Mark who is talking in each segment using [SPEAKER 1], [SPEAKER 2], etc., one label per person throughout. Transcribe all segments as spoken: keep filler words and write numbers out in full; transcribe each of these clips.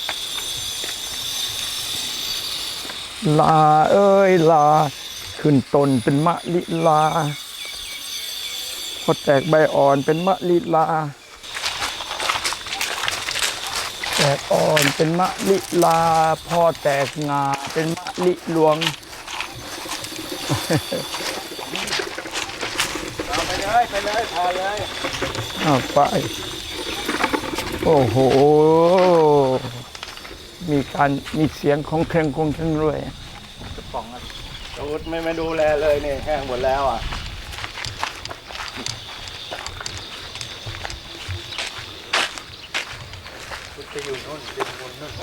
[SPEAKER 1] ลาเอ้ยลาขึ้นต้นเป็นมะลิลาพอแตกใบอ่อนเป็นมะลิลาแตกอ่อนเป็นมะลิลาพอแตกงาเป็นมะลิหลวง
[SPEAKER 2] เอาไปเลยไปเลยพาเลย
[SPEAKER 1] เอาไปโอ้โหมีการมีเสียงของเครื่องกงเครื่องรวย
[SPEAKER 2] กระป๋องอ่ะดูดไม่ไม่ดูแลเลยนี่แห้งหมดแล้วอ่ะจะอยู่นู่นจะอยู่นู่น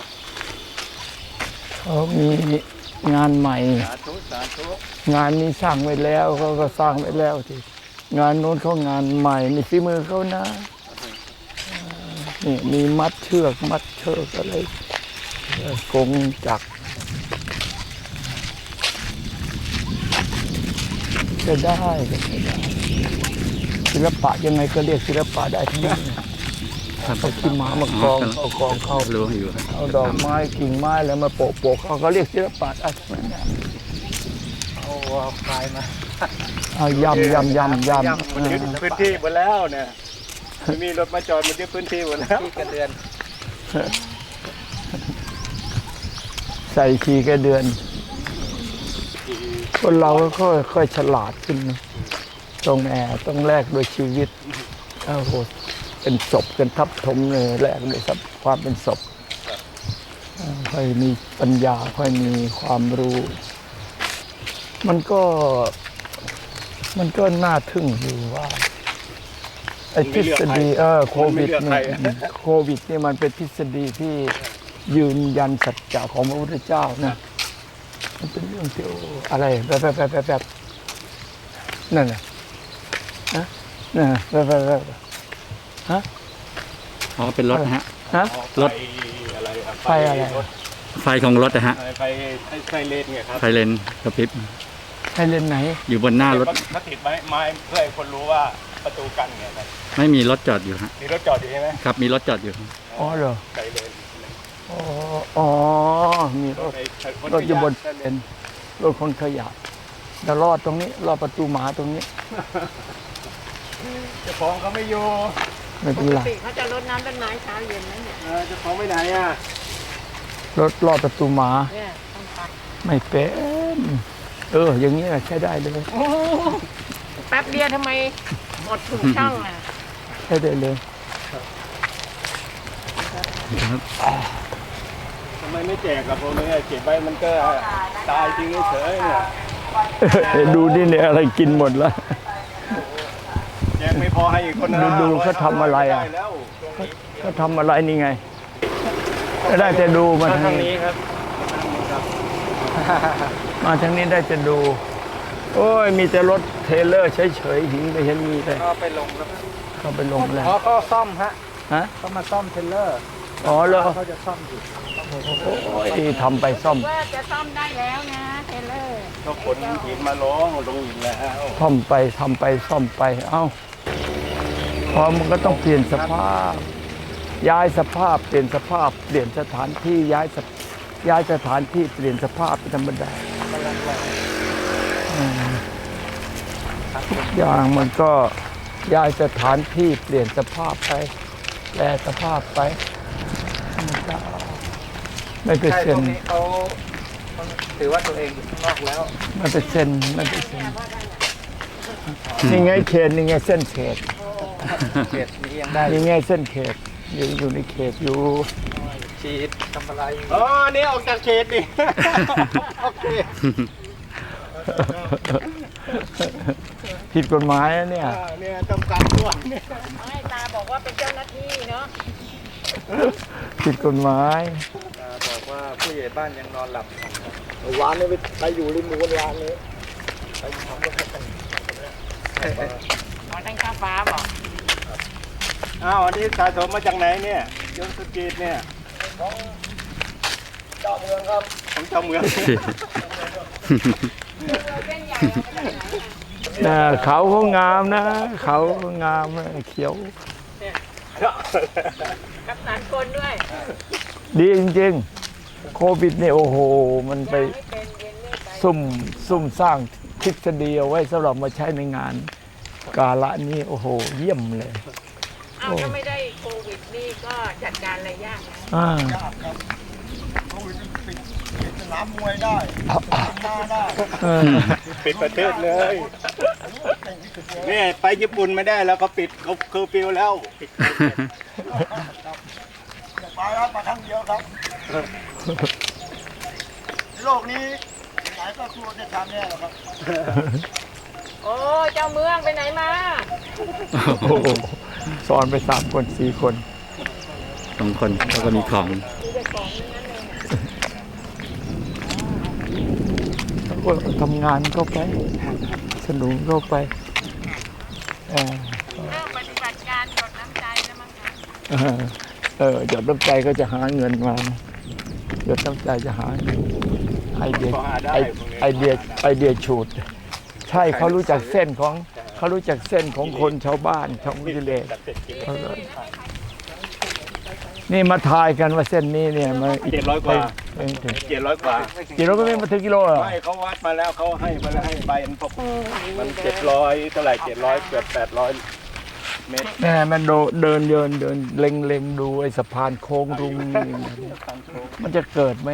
[SPEAKER 1] เขามีงานใหม่
[SPEAKER 2] สาธุสาธุ
[SPEAKER 1] งานนี้สร้างไว้แล้วเขาก็สร้างไว้แล้วที่งานโน้นเขางานใหม่นี่ฝีมือเขานะนี่มีมัดเชือกมัดเชือกอะไรกงจักรจะได้ก็จะได้ศิลปะยังไงก็เรียกศิลปะได้ทั้งนั้นเขาขี้ม้ามากองเอากองเข้า
[SPEAKER 3] รู้อยู่
[SPEAKER 1] เอาดอกไม้กิ่งไม้แล้วมาโปะโปะเขาก็เรียกศิลปะได้ทั้งนั้น
[SPEAKER 2] เอาเอาคลายมา
[SPEAKER 1] เอายำยำยำยำ
[SPEAKER 2] มันยึดพื้นที่หมดแล้วเนี่ยมีรถมาจอดมันยึดพื้นที่หมดแล้วที่กระเดือน
[SPEAKER 1] ใส่ขี้กระเดือนคนเราก็ค่อยฉลาดขึ้นนะต้องแอบต้องแลกโดยชีวิตโอ้โหเป็นศพกันทับถมเลยแลกด้วยความเป็นศพค่อยมีปัญญาค่อยมีความรู้ มันก็มันก็น่าทึ่งอยู่ว่าไอ้ทฤษฎีเออโควิดนี่โควิดนี่มันเป็นทฤษฎีที่ยืนยันสัจจะของพระพุทธเจ้านะมันเป็นเรื่องที่อะไรแบบแบบแบบแบบนั่นแหละฮะนั่นแบบแบบแบบฮะ
[SPEAKER 3] อ๋อเป็นรถนะฮะ
[SPEAKER 1] ฮะ
[SPEAKER 3] รถ
[SPEAKER 2] อะไร
[SPEAKER 1] ไฟอะไร
[SPEAKER 3] ไฟของรถนะฮะ
[SPEAKER 2] ไฟไฟเลนไงครับ
[SPEAKER 3] ไฟเลนกระพริบ
[SPEAKER 1] ไฟเลนไหน
[SPEAKER 3] อยู่บนหน้ารถ
[SPEAKER 2] เขาติดไม้ไม้เพื่อให้คนรู้ว่าประตูกั้นไงครับ
[SPEAKER 3] ไม่มีรถจอดอยู่ฮะ
[SPEAKER 2] มีรถจอดอยู่ใช่ไหม
[SPEAKER 3] ครับมีรถจอดอยู่
[SPEAKER 1] อ๋อเหรอ
[SPEAKER 2] ไฟเลน
[SPEAKER 1] อ๋ออ๋อมีรถรถอยู่บนเลนรถคนขยะแล้วรอดตรงนี้รอดประตูหมาตรงนี้
[SPEAKER 2] เจ้าของเขาไม่อยู่
[SPEAKER 1] ไม่เป็นไร
[SPEAKER 4] เขาจะรดน้ำต้นไม้เช้าเย็นนั่นเนี่ย
[SPEAKER 2] เจ้าของไปไหนอ่ะ
[SPEAKER 1] รถรอดประตูหมาไม่เป็นเอออย่างนี้ใช้ได้เลย
[SPEAKER 4] แป๊บเดียวทำไมหมดถุงช่องอ่ะ
[SPEAKER 1] ใช้ได้เลย
[SPEAKER 2] ทำไมไม่แจกกับผมเนี่ยเก็บไว้มันก็ตายจริงเฉยเนี่ย
[SPEAKER 1] ดูนี่เนี่ยอะไรกินหมดแล้ว
[SPEAKER 2] แจกไม่พอให้อีกคน
[SPEAKER 1] ดูดูเขาทำอะไรอ่ะเขาทำอะไรนี่ไงได้จะดูมาทางนี้ครับมาทางนี้ได้จะดูโอ้ยมีแต่รถเทเลอร์เฉยๆหิงไปเห็นมีเลย
[SPEAKER 2] เขาไปลงแล้ว
[SPEAKER 1] เขาไปลงแล้ว
[SPEAKER 2] อ๋อเขาซ่อมฮะ
[SPEAKER 1] ฮะ
[SPEAKER 2] เขามาซ่อมเทเลอร์
[SPEAKER 1] อ๋อเหรอ
[SPEAKER 2] เขาจะซ่อมอยู่
[SPEAKER 1] โอ้ยทำไปซ่อม
[SPEAKER 4] ว่าจะซ่อมได้แล้วนะเทเลอร์
[SPEAKER 2] ก็ขนหินมาลงลงอีกแล้ว
[SPEAKER 1] ซ่อมไปทำไปซ่อมไปเอ้าพอมันก็ต้องเปลี่ยนสภาพย้ายสภาพเปลี่ยนสภาพเปลี่ยนสถานที่ย้ายย้ายสถานที่เปลี่ยนสภาพเป็นธรรมดาทุกอย่างมันก็ย้ายสถานที่เปลี่ยนสภาพไปแปลสภาพไปไม่เป็นเซน
[SPEAKER 2] เขาถือว่าตัวเองอยู่ข้างนอกแล้ว
[SPEAKER 1] ไม่เป็นเซนไม่เป็นเซนนี่ไงเขตนี่ไงเส้นเขต
[SPEAKER 2] เขตนี้ยังได้
[SPEAKER 1] นี่ไงเส้นเขตอยู่อยู่ในเขตอยู่
[SPEAKER 2] ฉีดทำอะไรอ๋อนี่ออกจากเขตดิโอเค
[SPEAKER 1] ผิดกฎหมายเนี่ย
[SPEAKER 2] เนี่ยจำกัดตัวเนี่ย
[SPEAKER 4] ไม่ตาบอกว่าเป็นเจ้าหน้าที่เนาะ
[SPEAKER 1] ผิดกฎหมาย
[SPEAKER 2] ตาบอกว่าผู้ใหญ่บ้านยังนอนหลับวานนี่ไปอยู่ริมรั้ววานนี้ไปทำอะไรกัน
[SPEAKER 4] หมอตั้งข้าฟ้าบอก
[SPEAKER 2] อ้าวอันนี้สะสมมาจากไหนเนี่ยยนต์สกีดเนี่ยของเจ้าเมืองครับของเจ้าเมือง
[SPEAKER 1] เขาเขางามนะเขางามเขียว
[SPEAKER 4] กับสารคนด้วย
[SPEAKER 1] ดีจริงๆ โควิดเนี่ยโอ้โห มันไป
[SPEAKER 4] ไม่เป็นเย็นนี่ไป
[SPEAKER 1] ซุ่มซุ่มสร้างทฤษฎีเอาไว้สำหรับมาใช้ในงาน กาละนี้โอ้โห เยี่ยมเลย
[SPEAKER 4] อ้าวถ้าไม่ได้โควิดนี่ก็จัดการอะไรยากนะ
[SPEAKER 1] อ่า
[SPEAKER 5] โควิดมันปิดปิดสนามมวยได้หน้าได้
[SPEAKER 1] เออ
[SPEAKER 2] ปิดประเทศเลยนี่ไปญี่ปุ่นไม่ได้แล้วก็ปิดเขาเคอร์ฟิวแล้ว
[SPEAKER 5] อย่าไปครับมาครั้งเดียวครับโลกนี้ไหนก็กลัวจะทำเนี่ยแหละครับ
[SPEAKER 4] โอ้เจ้าเมืองไปไหนมา
[SPEAKER 1] โอ้โหสอนไปสามคนสี่คน
[SPEAKER 3] สองคนแล้วก็มีของ
[SPEAKER 4] ดูแต่ของนั่นเลยเนี่ย
[SPEAKER 1] แล้วก็ทำงานเข้าไป สนุนเข้าไปเออ
[SPEAKER 4] เริ่มปฏิบัติการหยดน้ำใจแล้วมั้งคะ
[SPEAKER 1] เออเออหยดน้ำใจก็จะหาเงินมานะหยดน้ำใจจะหาเงินไอเดีย
[SPEAKER 2] พอหาได้
[SPEAKER 1] ไอ
[SPEAKER 2] พวกนี้
[SPEAKER 1] ไอเดียไอเดียฉูด ใช่เขารู้จักเส้นของเขารู้จักเส้นของคนชาวบ้านชาวกิเลส
[SPEAKER 2] ตัดเสร็จกิน
[SPEAKER 1] เขาก็นี่มาทายกันว่าเส้นนี้เนี่ยมัน
[SPEAKER 2] เจ็ดร้อยกว่า
[SPEAKER 1] ไปไม่ถึง
[SPEAKER 2] เจ็ดร้อยกว่า
[SPEAKER 1] กิโลก็ไม่มาถึงกิโลเหรอ
[SPEAKER 2] ไม่เขาวัดมาแล้วเขาให้มาแล้วให้ใบมันพกมันเจ็ดร้อยเท่าไหร่เจ็ดร้อยเกือบแปดร้อยเมตร
[SPEAKER 1] แน่มันโดเดินเดินเดินเล็งเล็งดูไอ้สะพานโค้งรุงนี่มันจะเกิดไหม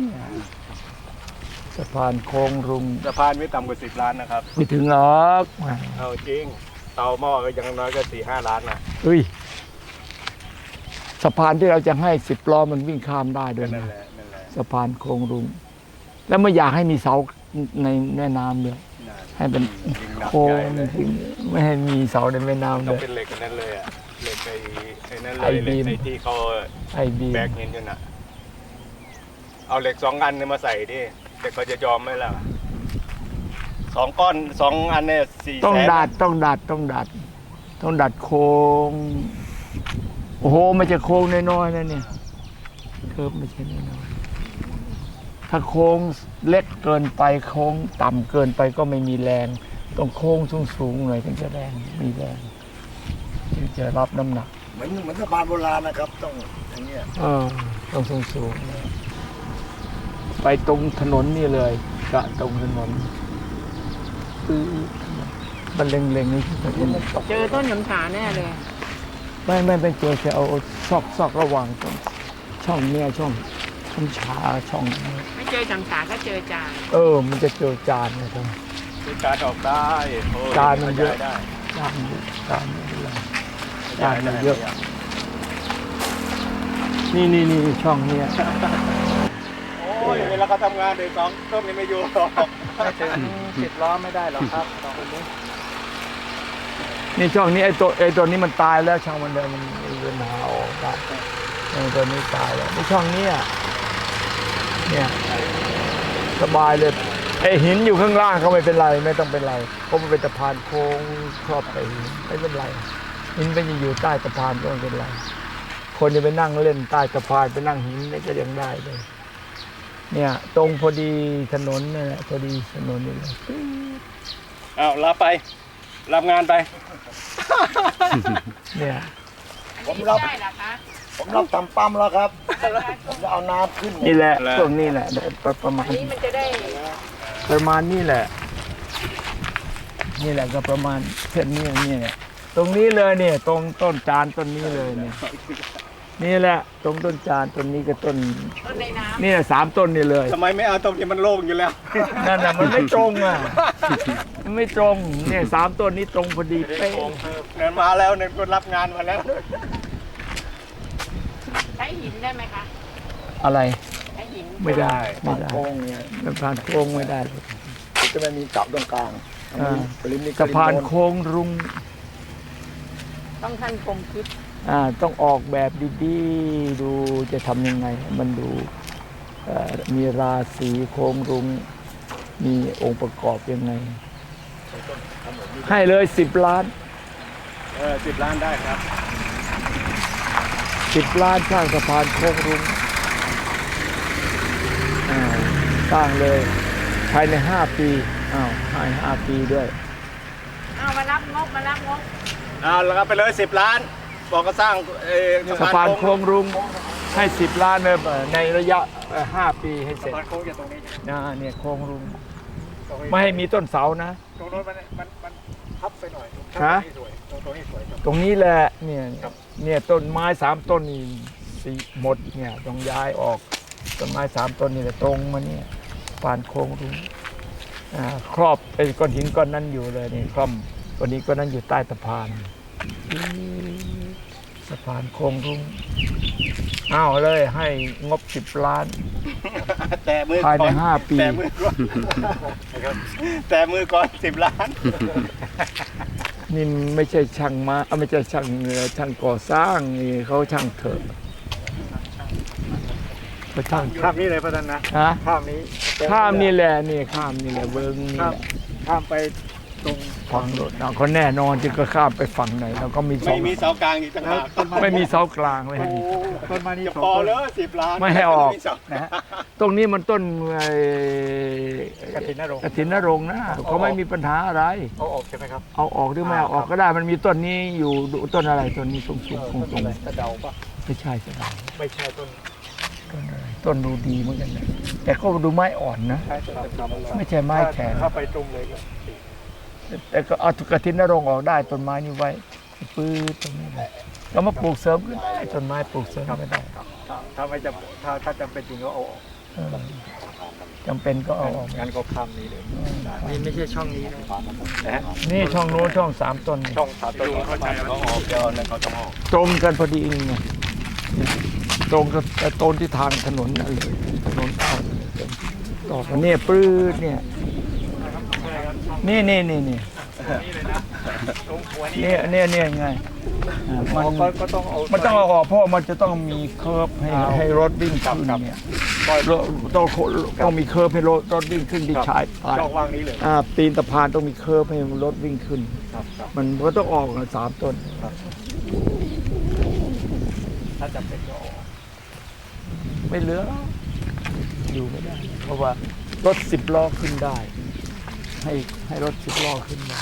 [SPEAKER 1] สะพานโค้งรุง
[SPEAKER 2] สะพานไม่ต่ำกว่าสิบล้านนะครับ
[SPEAKER 1] ไม่ถึงหรอก
[SPEAKER 2] เอาจริงเตาหม้อก็ยังน้อยก็สี่ห้าล้านนะ
[SPEAKER 1] เฮ้ยสะพานที่เราจะให้สิบล้อมันวิ่งข้ามได้ด้วย
[SPEAKER 2] นั่น
[SPEAKER 1] นะ
[SPEAKER 2] แหละนั่นแหละ
[SPEAKER 1] สะพานโค้งรุงแล้วไม่อยากให้มีเสาในแม่น้ำเลยให้เป็น
[SPEAKER 2] ยิงหนัก
[SPEAKER 1] โค้
[SPEAKER 2] ให
[SPEAKER 1] ง
[SPEAKER 2] ญ่เลย
[SPEAKER 1] ไม่ให้มีเสาในแม่น้ำ
[SPEAKER 2] ต้
[SPEAKER 1] เล
[SPEAKER 2] อง
[SPEAKER 1] ย
[SPEAKER 2] เป็นเหล็กกันนั้นเลยอะเหล็กไอ้ไอ้นั่นเล
[SPEAKER 1] ไอ้
[SPEAKER 2] ยเหล็ก
[SPEAKER 1] บีม
[SPEAKER 2] ไอ้ที่เขา
[SPEAKER 1] ไอบี
[SPEAKER 2] แบกหินอยู่น่ะเอาเหล็กสองอันเนี่ยมาใส่ดิแต่เขาจะยอมไหมล่ะสองก้อนสองอันเนี่ยสี่
[SPEAKER 1] ต้อง
[SPEAKER 2] แสน
[SPEAKER 1] ดัดต้องดัดต้องดัด ต้องดัดโค้งโอ้โหมันจะโค้งน้อยๆนะเนี่ยเคิร์ฟไม่ใช่น้อยๆถ้าโค้งเล็กเกินไปโค้งต่ำเกินไปก็ไม่มีแรงต้องโค้งสูงๆหน่อยถึงจะแรงมีแรงถึงจะรับน้ำหนัก
[SPEAKER 5] เหมือนเหมือนสะพานโบราณนะครับ ต้องอย่างเงี้ย
[SPEAKER 1] เออต้องสูงสูงๆเลยไปตรงถนนนี่เลยกะตรงถนนปื้อมันเล็งๆนี่ที่ถนน
[SPEAKER 4] เจอต้นหยำฉาแน่เลย
[SPEAKER 1] ไม่ไม่ไม่เจอแค่เอาซอกซอกระหว่างตรงช่องเนี่ยช่องช่องชาช่องนี้
[SPEAKER 4] ไม่เจอหยำฉาก็เจอจาน
[SPEAKER 1] เออ มันจะเจอจานนะครับ
[SPEAKER 2] คือการออกได้โอ้ย
[SPEAKER 1] จานมันเยอะ
[SPEAKER 2] ได้
[SPEAKER 1] จานเยอะจานไม่เป็นไร
[SPEAKER 2] ได้
[SPEAKER 1] จานมันเยอะ
[SPEAKER 2] ได้
[SPEAKER 1] นี่นี่นี่ช่องเนี้ย
[SPEAKER 2] โอ้ยเวลาเขาทำงานเด็กสองต้นนี่ไม่อยู่หรอก
[SPEAKER 5] ไม่ถึงสิบล้อไม่ได้หรอกครับสองคนนี้
[SPEAKER 1] นี่ช่องนี้ไอ้ตัวไอ้ตัวนี้มันตายแล้วช่างมันเดินมันมันเดินหาออกได้ไอ้ตัวนี้ตายแล้วในช่องเนี้ยเนี่ยสบายเลยไอ้หินอยู่ข้างล่างก็ไม่เป็นไรไม่ต้องเป็นไรเพราะมันเป็นสะพานโค้งครอบไปหินไม่เป็นไรหินไปอยู่ใต้สะพานก็ไม่เป็นไรคนจะไปนั่งเล่นใต้สะพานไปนั่งหินนี่ก็ยังได้เลยเนี่ยตรงพอดีถนนเนี่ยแหละพอดีถนนนี่เลย
[SPEAKER 2] อ้าวรับไปรับงานไป
[SPEAKER 1] เนี่ย
[SPEAKER 4] อันนี้ไม่ได้เหรอคะ
[SPEAKER 5] ผมรับทำปั๊มแล้วครับ ผมจะเอาน้ำขึ้น
[SPEAKER 1] นี่แหละ
[SPEAKER 2] แล้ว
[SPEAKER 1] ตรงนี้แหละประประมาณ
[SPEAKER 4] อันนี้มันจะได้
[SPEAKER 1] ประมาณนี้แหละ นี่แหละก็ประมาณเส้นนี้นี่เนี่ยตรงนี้เลยเนี่ย ตรงต้นจานต้นนี้เลยเนี่ย นี่แหละ ตรงต้นจานต้นนี้กับต้น
[SPEAKER 4] ต้นในน้
[SPEAKER 1] นี่แหละสามต้นนี่เลย
[SPEAKER 2] ทำไมไม่เอาตรงที่มันโล่งอยู่แล้ว
[SPEAKER 1] นั่นน่ะมันไม่ตรงอ่ะ มันไม่ตรง เนี่ยสามต้นนี้ตรงพอดีเป๊ะ
[SPEAKER 2] เงินมาแล้วเงินก็รับงานมาแล้ว
[SPEAKER 4] ำใช้หินได้ไหมคะ
[SPEAKER 1] อะไร
[SPEAKER 4] ใช้หิน
[SPEAKER 1] ไม่ได้ ไม่ได้
[SPEAKER 5] โค้งเนี่ย
[SPEAKER 1] สะพานโค้งไม่ได้
[SPEAKER 5] จะไม่มีเสาตรงกลาง
[SPEAKER 1] อ่า
[SPEAKER 5] ปริมณ
[SPEAKER 1] สะพานโค้งรุง
[SPEAKER 4] ต้องท่านคมคิด
[SPEAKER 1] อ่าต้องออกแบบดีๆ ดูจะทำยังไงให้มันดูเอ่อมีราศีโค้งรุง มีองค์ประกอบยังไง ให้เลยสิบล้าน
[SPEAKER 2] เออสิบล้านได้ครับ
[SPEAKER 1] สิบล้านสร้างสะพานโค้งรุงอ่าสร้างเลยภายในห้าปีอ้าวภายในห้าปีด้วย
[SPEAKER 4] เอามารับงบมารับงบ
[SPEAKER 2] เอาแล้วก็ไปเลยสิบล้านบอกก็สร้างเอ่อ
[SPEAKER 1] สะพานโค้งรุ้งให้สิบล้านเลยในระยะห้าปีให้เสร็จ
[SPEAKER 5] สะพานโค้งจากตรงนี้
[SPEAKER 1] นะเนี่ยโค้งรุ้ง
[SPEAKER 5] ตรงนี้
[SPEAKER 1] ไม่ให้มีต้นเสานะ
[SPEAKER 5] ตรงโน้นมันมันมันทับไปหน่อย
[SPEAKER 1] ฮะ
[SPEAKER 5] ตรงนี้สวยตรงตรงนี้สวยครับ
[SPEAKER 1] ตรงนี้แหละเนี่ย
[SPEAKER 5] ครับ
[SPEAKER 1] เนี่ยต้นไม้สามต้นนี่สีหมดเนี่ยต้องย้ายออกต้นไม้สามต้นนี่แหละตรงมาเนี่ยปานโค้งรุ้งอ่าครอบไอ้ก้อนหินก้อนนั้นอยู่เลยนี่คล่อมก้อนนี้ก้อนนั้นอยู่ใต้สะพานสะพานโค้งรุ้งอ้าวเลยให้งบสิบล้าน
[SPEAKER 2] แต่มือ
[SPEAKER 1] ภายใน
[SPEAKER 2] ก่อน
[SPEAKER 1] ห้าปี
[SPEAKER 2] แต่มือก่อนแต่มือก่อนสิบล้าน
[SPEAKER 1] นี่ไม่ใช่ช่างมาเอ้าไม่ใช่ช่างเอ่อช่างก่อสร้างนี่เขาช่างเถอะเขาช่าง
[SPEAKER 5] ข้ามนี้เลยพระท่านนะ
[SPEAKER 1] ฮะ
[SPEAKER 5] ข้ามนี้
[SPEAKER 1] ข้ามนี่แหละนี่ข้ามนี่แหละเวิงนี่
[SPEAKER 5] ข้าม
[SPEAKER 1] แหละ
[SPEAKER 5] ข้ามไปตรง
[SPEAKER 1] ฝั่งรถเราก็แน่นอนที่ก็ข้ามไปฝั่งไหนเราก็มีสอ
[SPEAKER 2] ไม่
[SPEAKER 1] ง
[SPEAKER 2] มีเสากลางอีกต่างหาก
[SPEAKER 1] ไม่มีเสากลางเลย
[SPEAKER 5] โอ้ต้นไม้นี่
[SPEAKER 2] จะ
[SPEAKER 5] สอง
[SPEAKER 2] พอ
[SPEAKER 5] ต้น
[SPEAKER 2] เลยสิบล้าน
[SPEAKER 1] ไม่ให้ออก
[SPEAKER 2] เสา
[SPEAKER 5] นะฮะ
[SPEAKER 1] ตรงนี้มันต้นไอ้
[SPEAKER 5] กฐินนรงค์
[SPEAKER 1] กฐินนรงค์นะเขาไม่มีปัญหาอะไร
[SPEAKER 5] เอาออกใช่ไหมครับ
[SPEAKER 1] เอาออกหรือไม่เอาออกก็ได้มันมีต้นนี้อยู่ต้นอะไรต้นนี้สูงสูงคง
[SPEAKER 5] ต้นอะไรกระเดาปะ
[SPEAKER 1] ไม่ใช่ใช่ไหม
[SPEAKER 5] ไม่ใช่ต้น
[SPEAKER 1] ต้นอะไรต้นดูดีเหมือนกันนะแต่ก็ดูไม้อ่อนนะ
[SPEAKER 5] ใช่ต้นดำ
[SPEAKER 1] ไม่ใช่ไม้แข็ง
[SPEAKER 5] ถ้าไปตรงเลยก็
[SPEAKER 1] แต่ก็เอากระถินนรงค์ออกได้ต้นไม้นี่ไว้ปื้ดตรงนี้เลยก็มาปลูกเสริมก็ได้ต้นไม้ปลูกเสริมก็ได้
[SPEAKER 5] ถ้าถ้าไม่จำถ้าถ้าจำเป็นจริงก็เอาออก
[SPEAKER 1] เออจำเป็นก็เอาออก
[SPEAKER 5] งั้นก็ข้ามนี้เลยนี่ไม่ใช่ช่องนี้นะนะฮะ
[SPEAKER 1] นี่ช่องโน้นช่องสามต้นนี่
[SPEAKER 5] ช่องสามต้น
[SPEAKER 2] เข้าใจเขาออกเดี๋ยวนั้นเขาต้องออก
[SPEAKER 1] ตรงกันพอดีนี่ไงตรงกับต้นที่ทางถนนนั่นเลยถนนเข้าต่อกันเนี่ยปื้ดเนี่ยนี่นี่นี่นี่เนี่ยเนี่ยเนี่ยไงอ่ามัน
[SPEAKER 5] ก็ก็ต้องเอา
[SPEAKER 1] มันต้องเอาออกเพราะมันจะต้องมีเคิร์ฟให้ให้รถวิ่งขึ้นเนี่ยรถต้องต้องมีเคิร์ฟให้รถรถวิ่งขึ้นที่ชายปลาย
[SPEAKER 5] ช่องว่างนี้เลย
[SPEAKER 1] อ่าตีนสะพานต้องมีเคิร์ฟให้รถวิ่งขึ้น
[SPEAKER 5] ครับครับ
[SPEAKER 1] มันก็ต้องออกกันสามต้น
[SPEAKER 5] ถ้าจำเป็นก็ออก
[SPEAKER 1] ไม่เหลืออยู่ไม่ได้ เพราะว่ารถสิบล้อขึ้นได้ ให้ให้รถสิบล้อขึ้นได้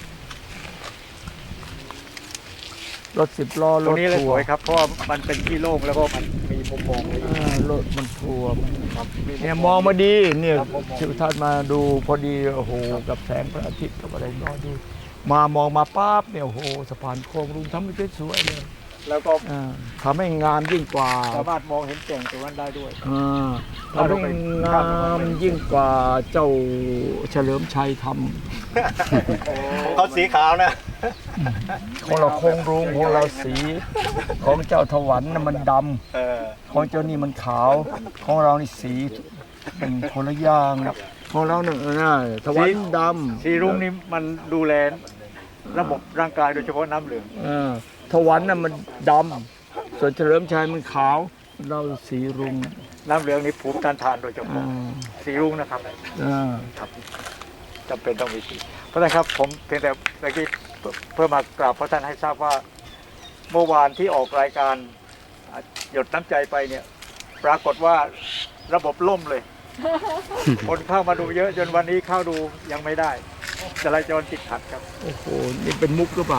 [SPEAKER 1] รถสิบล้อ
[SPEAKER 5] ต
[SPEAKER 1] ร
[SPEAKER 5] รง
[SPEAKER 1] ถ
[SPEAKER 5] นี้เลย
[SPEAKER 1] ทั
[SPEAKER 5] ส
[SPEAKER 1] ว
[SPEAKER 5] วย
[SPEAKER 1] ร์
[SPEAKER 5] ครับเพราะว่ามันเป็นที่โล่งแล้วก็มันมีมุมมองเลย
[SPEAKER 1] อ่ารถมันทัวร์มัน
[SPEAKER 5] ครับ
[SPEAKER 1] เนี่ยมองมาดีเนี่ย
[SPEAKER 5] ครับผมมอง
[SPEAKER 1] ทิวทัศน์มาดูพอดีโอ้โหกับแสงพระอาทิตย์กับอะไรนอนดู มามองมาปั๊บเนี่ยโอ้โหสะพานโค้งรุ้งทำให้สวยๆเลย
[SPEAKER 5] แล้วก็
[SPEAKER 1] อ่าทำให้งามยิ่งกว่า
[SPEAKER 5] สามารถมองเห็นแก่งตรงนั้นได้ด้วย
[SPEAKER 1] อ่าทำให้งามยิ่งกว่าเจ้าเฉลิมชัยท
[SPEAKER 2] เขาสีขาวนะ
[SPEAKER 1] ำของเราโค้งรุ้งของเราสี ของเจ้าถวันน่ะมันด
[SPEAKER 2] เออ
[SPEAKER 1] ำของเจ้านี่มันขาว ของเรานี่สีเป็นคนละอย่างของเราเนี่ยน่ะถวันดำ
[SPEAKER 5] สีรุ้งนี่มันดูแลระบบร่างกายโดยเฉพาะน้ำเหลือง
[SPEAKER 1] เออถวันน่ะมันดำส่วนเฉลิมชัยมันขาว เราสีรุ้ง
[SPEAKER 5] น้ำเหลืองนี่ภูมิต้านทานโดยเฉ
[SPEAKER 1] อ่า
[SPEAKER 5] พาะสีรุ้งนะครับ
[SPEAKER 1] อ่า
[SPEAKER 5] ครับจำเป็นต้องมีสีเพราะฉะนั้นครับผมเพียงแต่เมื่อกี้เพื่อมากราบพระท่านให้ทราบว่า เมื่อวานที่ออกรายการอ่ะหยดน้ำใจไปเนี่ย ปรากฏว่าระบบล่มเลย คนเข้ามาดูเยอะจนวันนี้เข้าดูยังไม่ได้จราจรติดขัดครับ
[SPEAKER 1] โอ้โหนี่เป็นมุกหรือเปล่า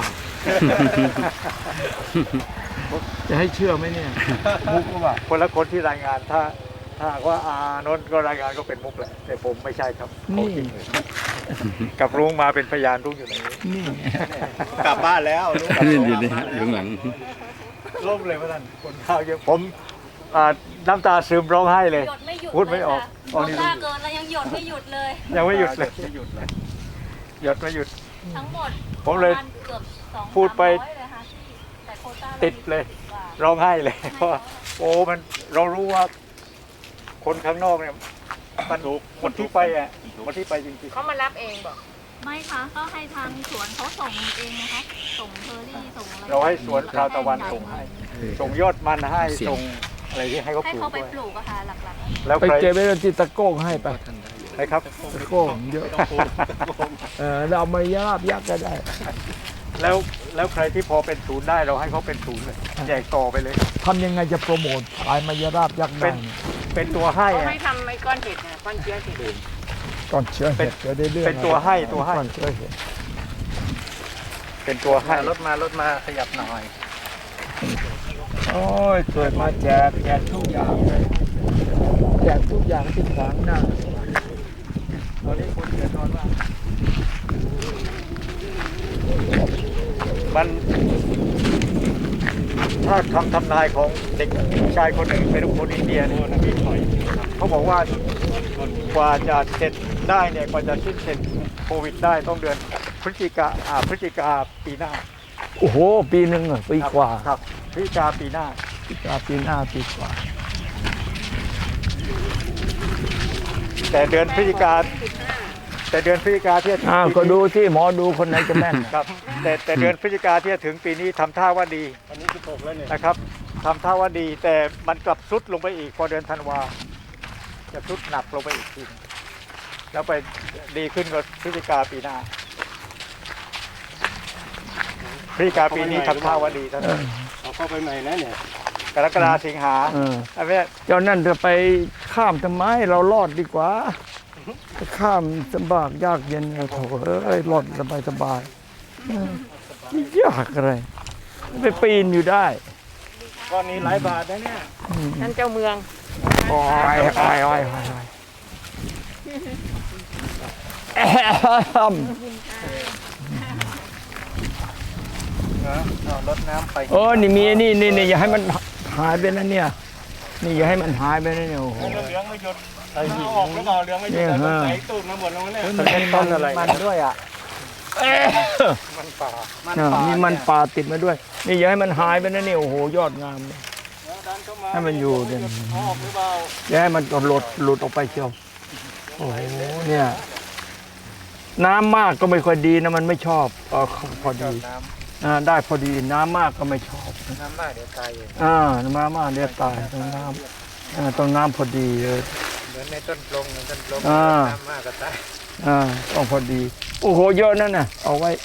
[SPEAKER 1] จะให้เชื่อไหมเนี่ย มุกหรือเปล่า
[SPEAKER 5] คนละคนที่รายงานถ้าถ้าหากว่าอานนท์ก็รายงานก็เป็นมุกแหละแต่ผมไม่ใช่ครับของจริงเลยกับลุงมาเป็นพยานลุงอยู่ในนี้
[SPEAKER 1] นี่
[SPEAKER 2] กลับบ้านแล้วลูกกลับ
[SPEAKER 3] นี่
[SPEAKER 2] บ้าน
[SPEAKER 3] อยู่นี่ฮะอยู่ข้างหลัง
[SPEAKER 5] ล่มเลยพระท่านคนข้าวเยอะผมอ่าน้ำตาซึมร้องไห้เลย
[SPEAKER 6] หยดไม่หยุด
[SPEAKER 5] พูดไม่ออก
[SPEAKER 6] เลยค่ะน้ำตาเกินแล้วยังหยดไม่หยุดเลย
[SPEAKER 5] ยังไม่หยุดเลยหยุดเลยหยุดไม่หยุด
[SPEAKER 6] ทั้งหมด
[SPEAKER 5] ผมเลย
[SPEAKER 6] ประาณเกือบสอง
[SPEAKER 5] พูดไป
[SPEAKER 6] สามร้อยเลยค่ะที่แต่โควต้า
[SPEAKER 5] ติดเลย
[SPEAKER 6] กว่า
[SPEAKER 5] ร้องไห้เลยเพราะว่าโอ้มันเรารู้ว่า คนข้างนอกเนี่ยมันคนที่ไปอ่ะคนที่ไปจริง
[SPEAKER 4] เขามารับเองบอก
[SPEAKER 6] ไม่ค่ะก็ให้ทางสวนเขาส่งเองนะคะส่งเฟอร์รี่ส่งอะไร
[SPEAKER 5] ๆเราให้สวนชาวตะวันส่งให้ ส่งยอดมันให้
[SPEAKER 3] เสียง
[SPEAKER 5] ส่งอะไรที่ให้เขา
[SPEAKER 6] ให้
[SPEAKER 5] ปลูก
[SPEAKER 6] เขาไป
[SPEAKER 5] ด้วย
[SPEAKER 6] ปลูกอะค่ะหลัก
[SPEAKER 5] แล้ว
[SPEAKER 1] ไป
[SPEAKER 5] ใคร
[SPEAKER 1] เก็บไว้ที่ตะโก้งให้ไป
[SPEAKER 5] นะครับ
[SPEAKER 1] ตะโก้งเยอะเออเราเอามายาบยักษ์ก็ได้
[SPEAKER 5] แล้วแล้วใครที่พอเป็นศูนย์ได้เราให้เขาเป็นศูนย์เลยแจกต่อไปเลย
[SPEAKER 1] ทำยังไงจะโปรโมทขายมายาราบยักษ์ได้เนี่ย
[SPEAKER 5] เป็นตัวให้
[SPEAKER 4] เขา
[SPEAKER 5] อะ
[SPEAKER 4] ให้ทำไอ้ก้อนเห็ดนะก้อนเชื้อเห็ด
[SPEAKER 1] ก่อนเชื้อเห็ดจะได้เรื่อง
[SPEAKER 5] เป็นตัวให้ตัวให้
[SPEAKER 1] ก่อนเชื้อเห็ด
[SPEAKER 5] เป็นตัวให้
[SPEAKER 2] รถมารถมาขยับหน่อย
[SPEAKER 1] โอ้ยสวยมาแจกแจกทุกอย่างเลยแจกทุกอย่างที่ขวางหน้า
[SPEAKER 5] ตอนนี้คนเดือดร้อนมากมันถ้าคำทำนายของเด็กชายคนหนึ่งเป็นคนอินเดียเนี่ยเขาบอกว่ากว่าจะเสร็จได้เนี่ยกว่าจะสิ้นเสร็จโควิดได้ต้องเดือนพฤศจิกาอ่าพฤศจิกาปีหน้า
[SPEAKER 1] โอ้โห ปีหนึ่งอะปีกว่า
[SPEAKER 5] ครับพฤศจิกาปีหน้า
[SPEAKER 1] ปีกว่าปีหน้าปีกว่า
[SPEAKER 5] แต่เดือนพฤศจิกาแต่เดือนพฤศจิกาที่จะถึง
[SPEAKER 1] อ้าว
[SPEAKER 5] ปี
[SPEAKER 1] ก็
[SPEAKER 5] นี้
[SPEAKER 1] ดูที่หมอดูคนไหนจะแม่นน่ะ
[SPEAKER 5] ครับแต่แต่เดือนพฤศจิกาที่จะถึงปีนี้ทำท่าว่าดี
[SPEAKER 2] อันนี้สิบหกแล้วเนี่ย
[SPEAKER 5] นะครับทำท่าว่าดี แต่มันกลับซุดลงไปอีกพอเดือนธันวาจะซุดหนักลงไปอีกทีแล้วไปดีขึ้นกว่าพฤศจิกาปีหน้าพฤศจิกาปีนี้ทำท่าว่าดีเท่า
[SPEAKER 1] เอ
[SPEAKER 5] นั้น
[SPEAKER 1] อ
[SPEAKER 2] เอาเข้าไปใหม่นะเนี่ย
[SPEAKER 5] กรกฎาสิงหา
[SPEAKER 1] เออ
[SPEAKER 5] อันนี้
[SPEAKER 1] เจ้านั่นจะไปข้ามทำไมเรารอดดีกว่าจะข้ามลำบากยากเย็นโถเอ้ยรอดสบายสบายเออยากอะไรไปปีนอยู่ได้
[SPEAKER 2] ก้อนนี้หลายบาทนะเนี่ย
[SPEAKER 4] ท่านเจ้าเมือง
[SPEAKER 1] โอ้ยโอ้ยโอ้ยโอ้ยโอ้ยแอม
[SPEAKER 5] นะเอารถน้ำไป
[SPEAKER 1] เออนี่มีนี่นี่นี่อย่าให้มันหายไปนะเนี่ยนี่อย่าให้มันหายไปนะเนี่ยโอ้โห
[SPEAKER 2] เหลืองไม่หยุดเอาออกหรือเปล่าเหลืองไม่หยุด
[SPEAKER 1] เนี่ยฮะ
[SPEAKER 2] ใส่ตูดมาหมดแล้วเนี่ย
[SPEAKER 5] มันเป็นต้นอะไรมันด้วยอ่ะ
[SPEAKER 1] เอ้ย
[SPEAKER 5] มันป่า
[SPEAKER 1] น่ะมีมันป่าติดมาด้วย นี่อย่าให้มันหายไปนะเนี่ยโอ้โหยอดงามเลย
[SPEAKER 2] ดันเข้ามา
[SPEAKER 1] ให้มันอยู่เนี่ย
[SPEAKER 2] เอาออกหรือเปล่า
[SPEAKER 1] อย่าให้มันหลุดหลุดออกไปเชียวโอ้โหเนี่ยน้ำมากก็ไม่ค่อยดีนะมันไม่ชอบเออพอดี
[SPEAKER 5] น้
[SPEAKER 1] อ่าได้พอดีน้ำมากก็ไม่ชอบ
[SPEAKER 5] ำน้ำมากเดี๋ยวตายเอง
[SPEAKER 1] อ่าน้ำมากเดี๋ยวตายต้องน้ำอ่าต้องน้ำพอดีเลย
[SPEAKER 5] เหมือนในต้นปลงต้นปลง
[SPEAKER 1] อ่า
[SPEAKER 5] น้ำมากก็ตาย
[SPEAKER 1] อ่าต้องพอดี โอ้โหเยอะนั่นน่ะเอาไว้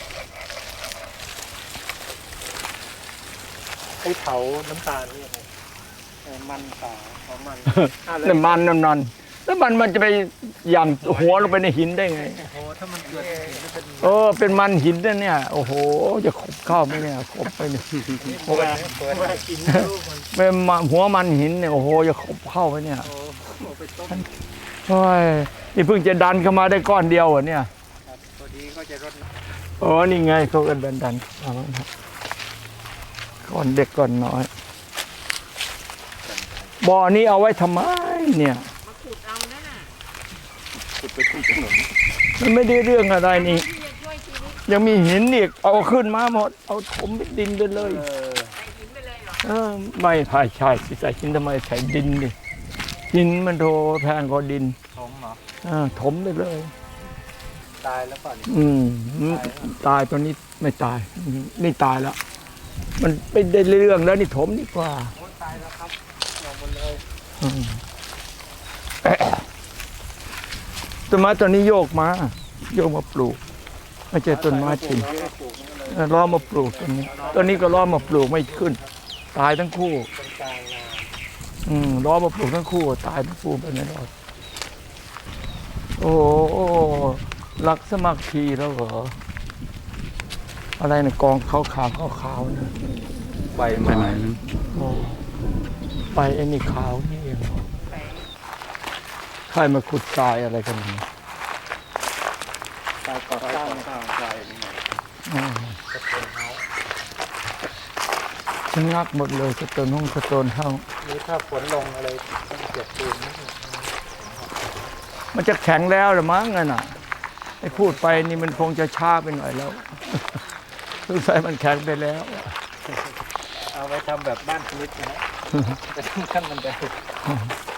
[SPEAKER 2] ไอ้เผาน้ำตาลเนี่ยเออมันตาของมัน
[SPEAKER 1] น้ำมันน้ำนันแล้วมันมันจะไปหย่ำหัวลงไปในหินได้ไง
[SPEAKER 5] โอ้ถ้ามันเกิดเห็นแล้วเป็น
[SPEAKER 1] เออเป็นมันหินนั่นเนี่ยโอ้โหจะขบเข้าไหมเนี่ยขบไปเนี่ย
[SPEAKER 5] เปิดเปิด
[SPEAKER 2] ว่ากินลูกมัน
[SPEAKER 1] เป็นมันหัวมันหินเนี่ยโอ้โหจะขบเข้าไปเนี่ย
[SPEAKER 2] โอ้โหไปต้ม
[SPEAKER 1] โอ้ยนี่เพิ่งจะดันเข้ามาได้ก้อนเดียวเหรอเนี่ย
[SPEAKER 5] ครับพอดีก็จะรดน้
[SPEAKER 1] โอ้นี่ไงเขากันดันดันเอาละครับก้อนเด็กก้อนน้อยบ่อนี้เอาไว้ทำไมเนี่ย
[SPEAKER 4] มาขุดเอานั่นน่ะ
[SPEAKER 2] ขุดไปที่ถนน
[SPEAKER 1] มันไม่ได้เรื่องอะไรนี่
[SPEAKER 4] ที่จะช่วยชีวิต
[SPEAKER 1] ยังมีหินอีกเอาขึ้นมาหมด เอาถมดินไปเลย
[SPEAKER 5] ำเออ
[SPEAKER 4] ใส่หินไปเลยเหรอ
[SPEAKER 1] เออไม่ใช่ใช่สิใส่หินทำไมใส่ดินดิหินมันโทแพงกว่าดิน
[SPEAKER 5] ผมเหรอ
[SPEAKER 1] อ่าถมไปเลย
[SPEAKER 5] ตายแล้วป่ะเนี่ย
[SPEAKER 1] อืมตายตัวนี้ไม่ตายอืมนี่ตายแล้ว มันไปได้เรื่องแล้วนี่ถมดีกว่า
[SPEAKER 5] โอ้ตายแล้วครับลงหมดเลย
[SPEAKER 1] อืมแอะต้นไม้ตัวนี้โยกมา โยกมาปลูก ไม่ใช่ต้นไม้จริงเออล้อมาปลูกตัวนี้ตัวนี้ก็ล้อมาปลูกไม่ขึ้น ตายทั้งคู่
[SPEAKER 5] เป็นกลางนา
[SPEAKER 1] อืมล้อมาปลูกทั้งคู่ ตายทั้งคู่ไปไม่รอดโอ้โหรักสมัครคีแล้วเหรอ อะไรนะกองขาวขาวขาวขาวๆนะ
[SPEAKER 5] ใบ
[SPEAKER 3] ไป
[SPEAKER 5] ไม้
[SPEAKER 3] ไหน
[SPEAKER 1] โอ้ไปไอ้นี่ขาวนี่เองเหรอใครมาขุดทรายอะไรกันเนี่ย
[SPEAKER 2] ตายก่อสร้างสร้างใจนี่ไง
[SPEAKER 1] อืมชะงักหมดเลยสะโตนห้องสะโตนห้อง
[SPEAKER 5] หรือถ้าฝนลงอะไรต้องเก็บปืนนิดหนึ่ง
[SPEAKER 1] มันจะแข็งแล้วหรือมั้งนั่นน่ะไอ้พูดไปนี่มันคงจะช้าไปหน่อยแล้ว สงสัยมันแข็งไปแล้ว
[SPEAKER 5] เอาไว้ทำแบบบ้านสวิตนะฮะ จะทำขั้นบันได